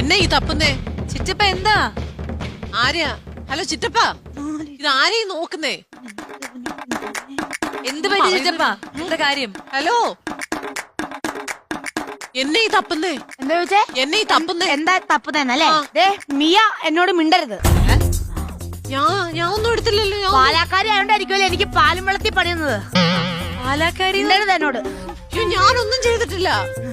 എന്നെ ഈ തപ്പുന്നേ? ചിറ്റപ്പ എന്താ? ആരെയാ? ഹലോ ചിറ്റപ്പ, ഇത് ആരെയും നോക്കുന്നേ? എന്ത് പറ്റി ചിറ്റപ്പ? എന്താ കാര്യം? ഹലോ, എന്നെ ഈ തപ്പുന്നേ? എന്താ ചോദിച്ചേ? എന്നെ ഈ തപ്പുന്നേ? എന്താ തപ്പുന്നല്ലേ? മിയ എന്നോട് മിണ്ടരുത്. ഞാൻ ഒന്നും എടുത്തില്ലല്ലോ. പാലാക്കാരി ആയോണ്ടായിരിക്കുമല്ലോ എനിക്ക് പാലും വെള്ളത്തിൽ പണിയുന്നത്. പാലാക്കാരി എന്നോട് ഞാനൊന്നും ചെയ്തിട്ടില്ല.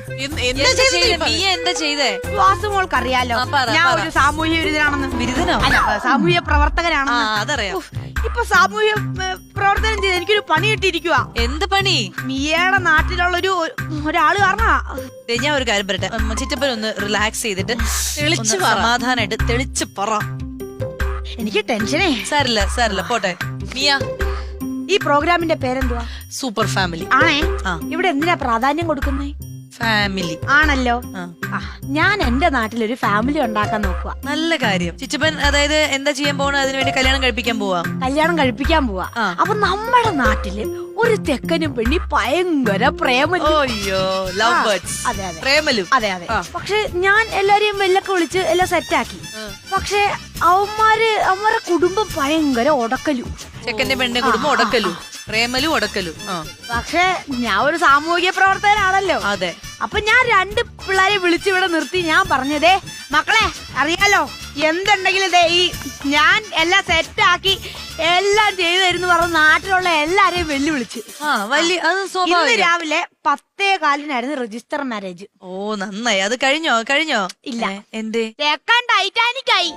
എന്താ ചെയ്തേ? വാസുമോൾക്ക് അറിയാലോ ഞാൻ ഒരു സാമൂഹ്യ വിരുദ്ധനാണെന്ന്. ബിരുദനോ? അല്ല, സാമൂഹ്യ പ്രവർത്തകനാണെന്ന്. അതറിയാം. ഇപ്പൊ സാമൂഹ്യ പ്രവർത്തനം ചെയ്ത് എനിക്കൊരു പണി കിട്ടിയിരിക്കുക. എന്ത് പണി? മിയയുടെ നാട്ടിലുള്ള ഒരാള് കാരണ. ഞാൻ ഒരു കാര്യം പറയട്ടെ, ചിറ്റപ്പൻ ഒന്ന് റിലാക്സ് ചെയ്തിട്ട് സമാധാനായിട്ട് തെളിച്ച് പറ. എനിക്ക് ടെൻഷനേ. സാരില്ല പോട്ടെ. മിയ, ഈ പ്രോഗ്രാമിന്റെ പേരെന്തുവാ? സൂപ്പർ ഫാമിലി ആണേ. ഇവിടെ എന്തിനാ പ്രാധാന്യം കൊടുക്കുന്നേ? ഫാമിലി ആണല്ലോ. ഞാൻ എന്റെ നാട്ടിലൊരു ഫാമിലി ഉണ്ടാക്കാൻ നോക്കുക. നല്ല കാര്യം. ചിറ്റപ്പൻ അതായത് എന്താ ചെയ്യാൻ പോണ? അതിനുവേണ്ടി കല്യാണം കഴിപ്പിക്കാൻ പോവാ. അപ്പൊ നമ്മുടെ നാട്ടില് ഒരു തെക്കനും പെണ്ണി ഭയങ്കര പ്രേമലു. Love birds. അതെ. പക്ഷെ ഞാൻ എല്ലാരെയും വെല്ലൊക്കെ വിളിച്ച് എല്ലാം സെറ്റാക്കി. പക്ഷെ അവന്മാരെ കുടുംബം ഭയങ്കര ഒടക്കലു. ചെക്കന്റെ പെണ്ണിന്റെ കുടുംബം ഒടക്കലു, പ്രേമലു ഒടക്കലു. പക്ഷെ ഞാൻ ഒരു സാമൂഹിക പ്രവർത്തകനാണല്ലോ. അതെ. അപ്പൊ ഞാൻ 2 പിള്ളേരെ വിളിച്ചിവിടെ നിർത്തി ഞാൻ പറഞ്ഞതേ, മക്കളെ അറിയാലോ എന്തുണ്ടെങ്കിലും ഞാൻ എല്ലാം സെറ്റാക്കി എല്ലാം ചെയ്തു തരുന്നു പറഞ്ഞ് നാട്ടിലുള്ള എല്ലാരെയും വെല്ലുവിളിച്ച്. ഇന്ന് രാവിലെ 10:15 രജിസ്റ്റർ മാരേജ്. ഓ നന്നായി. അത് കഴിഞ്ഞോ? ഇല്ല. എന്തേ? ടൈറ്റാനിക് ആയി.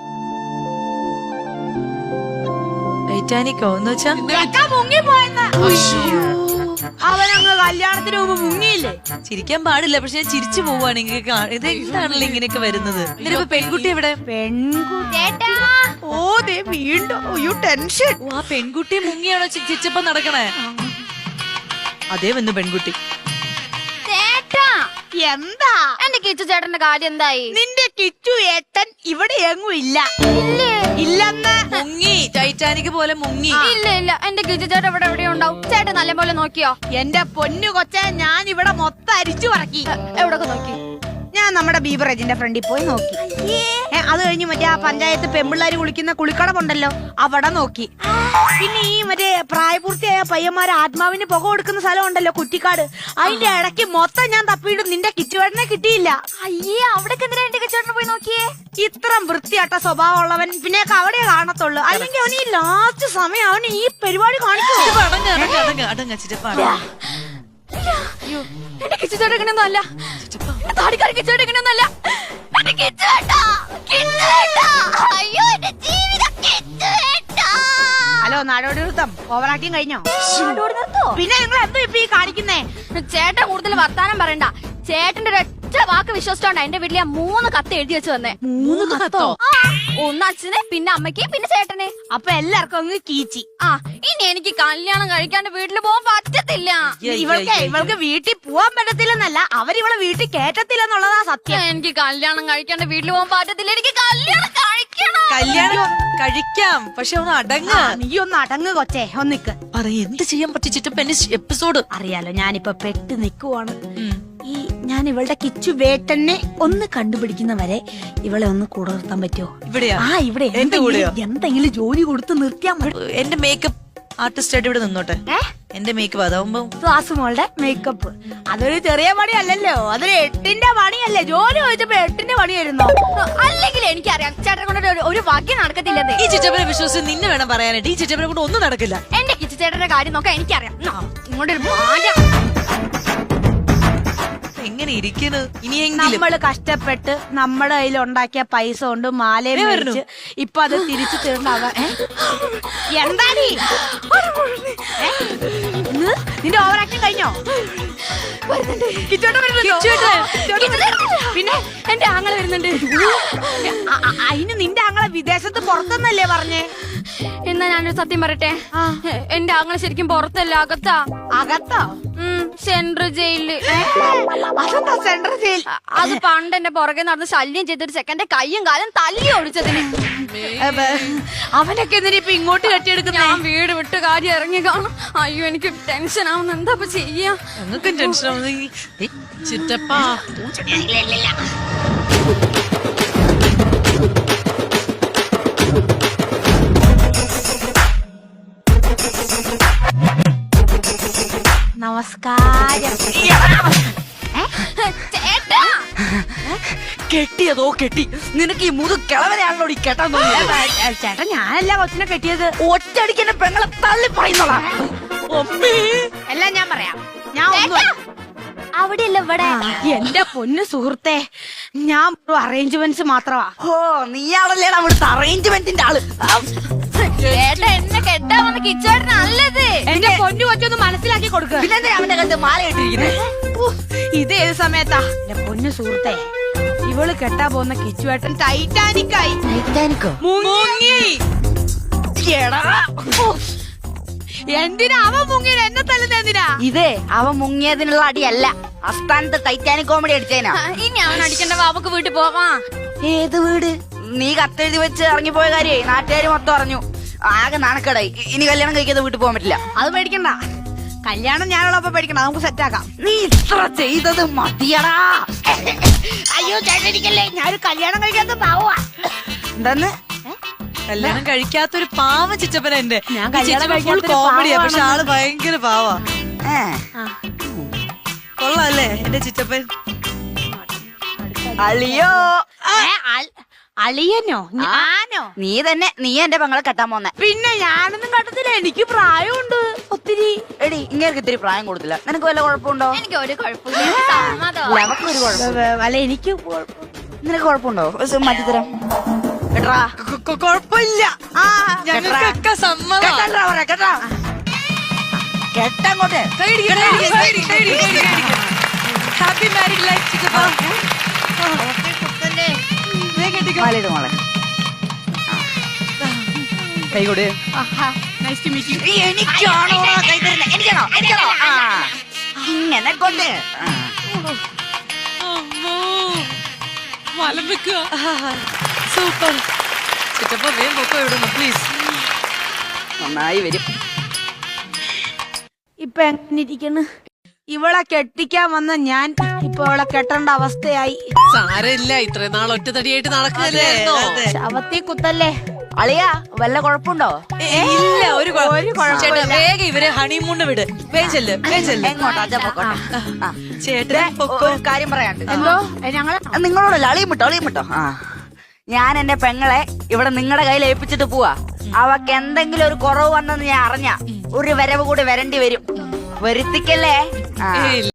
ടൈറ്റാനിക്കോ എന്ന് വെച്ചാ? മുങ്ങിപ്പോയെന്ന്. അവനങ്ങ് കല്യാണത്തിന് മുമ്പ് മുങ്ങിയില്ലേ? ചിരിക്കാൻ പാടില്ല, പക്ഷെ ഞാൻ ചിരിച്ചു പോവാണെങ്കിൽ ഇത് എന്താണല്ലോ ഇങ്ങനെയൊക്കെ വരുന്നത്. ഇതിലിപ്പോ പെൺകുട്ടി എവിടെ? വീണ്ടും ടെൻഷൻ. ആ പെൺകുട്ടി മുങ്ങിയാണോ ചിരിച്ചപ്പം നടക്കണേ? അതേ വന്നു പെൺകുട്ടി. എന്താ എന്റെ കിച്ചു ചേട്ടന്റെ കാര്യം എന്തായി? നിന്റെ കിച്ചു ഏട്ടൻ ഇവിടെ എങ്ങും ഇല്ല. ഇല്ലെന്ന്. മുങ്ങി, ടൈറ്റാനിക് പോലെ മുങ്ങി. ഇല്ല എന്റെ കിച്ചു ചേട്ടൻ ഇവിടെ എവിടെയോ ഉണ്ടാവും. ചേട്ടൻ നല്ല പോലെ നോക്കിയോ? എന്റെ പൊന്നു കൊച്ചെ, ഞാൻ ഇവിടെ മൊത്തം അരിച്ചു പറക്കി. എവിടൊക്കെ നോക്കി? ഞാൻ നമ്മുടെ ബീവറേജിന്റെ ഫ്രണ്ടിൽ പോയി നോക്കി. അത് കഴിഞ്ഞ് മറ്റേ ആ പഞ്ചായത്ത് പെമ്പിള്ളാര് കുളിക്കുന്ന കുളിക്കടമുണ്ടല്ലോ അവിടെ നോക്കി. പിന്നെ ഈ മറ്റേ പ്രായപൂർത്തിയായ പയ്യന്മാരെ ആത്മാവിന് പുക കൊടുക്കുന്ന സ്ഥലം ഉണ്ടല്ലോ കുറ്റിക്കാട്, അതിന്റെ ഇടയ്ക്ക് മൊത്തം ഞാൻ തപ്പിയിട്ട് നിന്റെ കിച്ചുവേട്ടനെ കിട്ടിയില്ല. അയ്യേ, അവിടെ എന്റെ കിച്ചുവേട്ടനെ പോയി നോക്കിയേ. ഇത്രം വൃത്തിയാട്ട സ്വഭാവമുള്ളവൻ പിന്നെ അവിടെ കാണത്തുള്ളൂ. അല്ലെങ്കിൽ അവന് ഈ ലാസ്റ്റ് സമയം അവന് ഈ പരിപാടി കാണിക്കും. എന്റെ കിച്ചുചേട്ടൻ ഇങ്ങനെയൊന്നും അല്ല. താടിക്കാരി കിച്ചുചേട്ടൻ ഇങ്ങനെയൊന്നും അല്ല. എന്റെ കിച്ചുവേട്ടാ. അയ്യോ എന്റെ ജീവിതം കിച്ചുവേട്ടാ. ഹലോ, നാടോടി നൃത്തം ഓവറാക്കിയും കഴിഞ്ഞോ? പിന്നെ നിങ്ങൾ എന്തോ ഇപ്പൊ ഈ കാണിക്കുന്നേ? ചേട്ടൻ കൂടുതൽ വർത്താനം പറയണ്ട. ചേട്ടന്റെ ഒരൊറ്റ വാക്ക് വിശ്വസിച്ചോണ്ടാ എന്റെ വീട്ടിൽ 3 കത്ത് എഴുതി വെച്ച് വന്നേ. 3 കത്തോ? ഒന്ന് അച്ഛന്, പിന്നെ അമ്മയ്ക്ക്, പിന്നെ ചേട്ടന്. അപ്പൊ എല്ലാവർക്കും അങ്ങ് കീച്ചി. ഇനി എനിക്ക് കല്യാണം കഴിക്കാണ്ട് വീട്ടിൽ പോകാൻ പറ്റത്തില്ല. ഇവൾക്ക് വീട്ടിൽ പോവാൻ പറ്റത്തില്ലെന്നല്ല, അവരിവളെ വീട്ടിൽ കേറ്റത്തില്ലെന്നുള്ളതാ സത്യം. എനിക്ക് കല്യാണം കഴിക്കാണ്ട് വീട്ടിൽ പോകാൻ പറ്റത്തില്ല. എനിക്ക് കല്യാണം കഴിക്കണം. കല്യാണം കഴിക്കാം, പക്ഷെ ഒന്ന് അടങ്ങ. നീ ഒന്ന് അടങ്ങ് കൊച്ചേ, ഒന്നിക്ക്. എന്ത് ചെയ്യാൻ പറ്റിച്ചിട്ട് എപ്പിസോഡ് അറിയാലോ. ഞാനിപ്പോ പെട്ട് നിക്കുവാണ്. ഞാൻ ഇവളുടെ കിച്ചു വേട്ടനെ ഒന്ന് കണ്ടുപിടിക്കുന്നവരെ ഇവളെ ഒന്ന് കൂടെ നിർത്താൻ പറ്റുമോ? ഇവിടെ എന്തെങ്കിലും ജോലി കൊടുത്ത് നിർത്തിയാൽ മതി. എന്റെ മേക്കപ്പ് ആർട്ടിസ്റ്റ് ആയിട്ട് ഇവിടെ നിന്നോട്ടെ. എന്റെ മേക്കപ്പ് അതാവുമ്പോ ക്ലാസ്സുമോളുടെ മേക്കപ്പ് അതൊരു ചെറിയ പണിയല്ലല്ലോ, അതൊരു 8ന്റെ പണിയല്ലേ. ജോലി ചോദിച്ചപ്പോ 8ന്റെ പണിയായിരുന്നോ? അല്ലെങ്കിൽ എനിക്കറിയാം ചേട്ടനെ കൊണ്ട് ഒരു ഭാഗ്യം നടക്കത്തില്ലെന്ന്. ഈ ചിറ്റപ്പനെ വിശ്വസിച്ച് നിന്നെ വേണം പറയാനായിട്ട്. ഈ ചിറ്റപ്പനെ കൊണ്ട് ഒന്നും നടക്കില്ല. എന്റെ കിച്ചു ചേട്ടന്റെ കാര്യം നോക്കാൻ എനിക്കറിയാം. ഇങ്ങോട്ടൊരു മാറ്റം. എങ്ങനെ ഇരിക്കുന്നു? ഇനിയെങ്കിലും നമ്മള് കഷ്ടപ്പെട്ട് നമ്മുടെ കയ്യിൽ ഉണ്ടാക്കിയ പൈസ കൊണ്ട് മാലയും മേടിച്ച് ഇപ്പൊ അത് തിരിച്ചു തരണ്ടാകാൻ. എന്താ നിന്റെ ഓവർ ആക്ടിങ് കഴിഞ്ഞോ? പിന്നെ എന്റെ ആങ്ങളെ വരുന്നുണ്ട്. അതിന് നിന്റെ ആങ്ങളെ വിദേശത്ത് പുറത്തെന്നല്ലേ പറഞ്ഞേ? എന്നാ ഞാനൊരു സത്യം പറയട്ടെ, എന്റെ ആങ്ങളെ ശരിക്കും പുറത്തല്ല, അകത്താ. അകത്തോ? സെൻട്രൽ ജയിലില്. അതെന്താ സെൻട്രൽ ജയിൽ? അത് പണ്ട് എന്റെ പുറകെ നടന്ന് ശല്യം ചെയ്തൊരു ചെക്കന്റെ കയ്യും കാലും തല്ലി ഒടിച്ചതിന്. അവനൊക്കെ എന്തിനാ ഇപ്പൊ ഇങ്ങോട്ട് കെട്ടിയെടുക്കുന്ന? ഞാൻ വീട് വിട്ട് കാര്യം ഇറങ്ങി കാണും. അയ്യോ എനിക്ക് ടെൻഷൻ ആവുന്നു. എന്താ ചെയ്യാ? ഞങ്ങൾക്കും ടെൻഷൻ ആവുന്നു. ചിറ്റപ്പാ നമസ്കാരം. ചേട്ടാ കെട്ടിയതോ കെട്ടി. നിനക്ക് ഈ മുതു കിളവനെയാണല്ലോ ഈ കെട്ടാൻ തോന്നിയത്. ചേട്ടാ ഞാനല്ല കൊച്ചിനെ കെട്ടിയത്. ഒറ്റയടിക്കെന്നെ പെങ്ങളെ തള്ളി പറയുന്നോളാ. എല്ലാം ഞാൻ പറയാം. ഞാൻ ഒന്നും അവിടെയല്ല ഇവിടെ. എന്റെ പൊന്നു സുഹൃത്തെ, ഞാൻ അറേഞ്ച്മെന്റ്സ് മാത്രമാ. ഓ നീയാണല്ലേടാ അവിടുത്തെ അറേഞ്ച്മെന്റിന്റെ ആള്. ചേട്ടാ എന്നെ കെട്ടാൻ വന്ന കിച്ചേട്ടൻ നല്ലത്. എന്റെ പൊന്നു കൊച്ചൊന്ന് മനസ്സിലാക്കി കൊടുക്കുക. പിന്നെ അവന്റെ കണ്ട് മാല ഇട്ടിരിക്കുന്നത്. ഇത് ഏത് സമയത്താ? എന്റെ പൊന്നു സുഹൃത്തെ, ഇവള് കെട്ടാ പോകുന്ന കിച്ചുവേട്ടൻ ടൈറ്റാനിക്കായി. മുങ്ങി. എന്തിനാ അവൻ മുങ്ങിയത്? എന്നെ തല്ലുന്ന എന്തിനാ? ഇതേ അവൻ മുങ്ങിയതിനുള്ള അടിയല്ല, അസ്ഥാനത്ത് ടൈറ്റാനിക് കോമഡി അടിച്ചേനാ. ഇനി അവൻ അടിക്കണ്ട, ബാബക്ക് വീട്ടിൽ പോവാ. ഏത് വീട്? നീ കത്തെഴുതി വെച്ച് ഇറങ്ങിപ്പോയ കാര്യേ നാട്ടുകാര് മൊത്തം അറിഞ്ഞു. ആകെ നാണക്കേടായി. ഇനി കല്യാണം കഴിക്കാതെ വീട്ടിൽ പോകാൻ പറ്റില്ല. അത് പേടിക്കണ്ട, കല്യാണം ഞാനുള്ളപ്പോ പേടിക്കണ്ട, നമുക്ക് സെറ്റാക്കാം. നീ ഇത്ര ചെയ്തത് മതിയടാ. അയ്യോ ചേട്ടനിക്കല്ലേ, ഞാനൊരു കല്യാണം കഴിക്കാത്ത പാവാ. എന്താന്ന്? കല്യാണം കഴിക്കാത്തൊരു പാവം ചിറ്റപ്പന എന്റെ. ഞാൻ കല്യാണം കഴിക്കാത്തൊരു കോമഡിയാ, പാവാണെന്ന്. പക്ഷെ ആള് ഭയങ്കര പാവാ. കൊള്ളാല്ലേ എന്റെ ചിറ്റപ്പൻ? അളിയോ, അളിയനോ? ഞാനോ? നീ തന്നെ. നീ എന്റെ പെങ്ങളെ കെട്ടാൻ പോന്നെ. പിന്നെ ഞാനൊന്നും കട്ടത്തില്ല, എനിക്ക് പ്രായമുണ്ട് ഒത്തിരി. എടി ഇങ്ങനെ ഇത്തിരി പ്രായം കൊടുത്തില്ല. നിനക്ക് വല്ല കുഴപ്പമുണ്ടോ? എനിക്ക് ഒരു കുഴപ്പമില്ല, സമ്മതം. നമുക്കൊരു കുഴപ്പം. അല്ല എനിക്ക് നിനക്ക് കുഴപ്പമുണ്ടോ? മാറ്റിത്തരാം. കേട്ടാ കൊഴപ്പില്ല, ഞങ്ങൾക്കൊക്കെ സമ്മതം. കെട്ടങ്ങോട്ട്. ഹാപ്പി മാരീഡ് ലൈഫ് ചിറ്റപ്പ. മാലയിട് മോളെ. കൈ കൊടു. Nice to meet you. എനിക്കാണോ കൈ തരുന്നത്? എനിക്കാണോ? എനിക്കാണോ? ഇങ്ങനെ കൊണ്ട്. മലം വെക്കുക. സൂപ്പർ ചിറ്റപ്പ, വേഗം പൊക്കോ ഇവിടുന്ന് പ്ലീസ്. നന്നായി വരും. ഇപ്പൊ എങ്ങനെ ഇരിക്കുന്നു? ഇവളെ കെട്ടിക്കാൻ വന്ന ഞാൻ ഇപ്പൊ അവളെ കെട്ടേണ്ട അവസ്ഥയായി. സാരമില്ല, ഇത്രയും നാൾ ഒറ്റത്തടിയായിട്ട് നടക്കുകയല്ലായിരുന്നോ? ശവത്തി കുത്തല്ലേ. അളിയാ വല്ല കുഴപ്പമുണ്ടോ? ഇല്ല, ഒരു കുഴപ്പമില്ല. ചേട്ടാ വേഗം ഇവരെ ഹണിമൂണ് വിട്. വേഗം ചെല്ല്, വേഗം ചെല്ല്. എങ്ങോട്ടാ? അച്ഛാ പൊക്കോട്ടെ. ചേട്ടൻ പൊക്കോ. ഒരു കാര്യം പറയാണ്ട്. എന്തോ ഞങ്ങളെ നിങ്ങളോടല്ല, അളിയും വിട്ടോ, അളിയും വിട്ടോ. ഞാൻ എന്റെ പെങ്ങളെ ഇവിടെ നിങ്ങളുടെ കയ്യിൽ ഏൽപ്പിച്ചിട്ട് പോവാ. അവക്ക് എന്തെങ്കിലും ഒരു കുറവ് വന്നെന്ന് ഞാൻ അറിഞ്ഞ ഒരു വരവ് കൂടി വരേണ്ടി വരും. വരുത്തിക്കല്ലേ?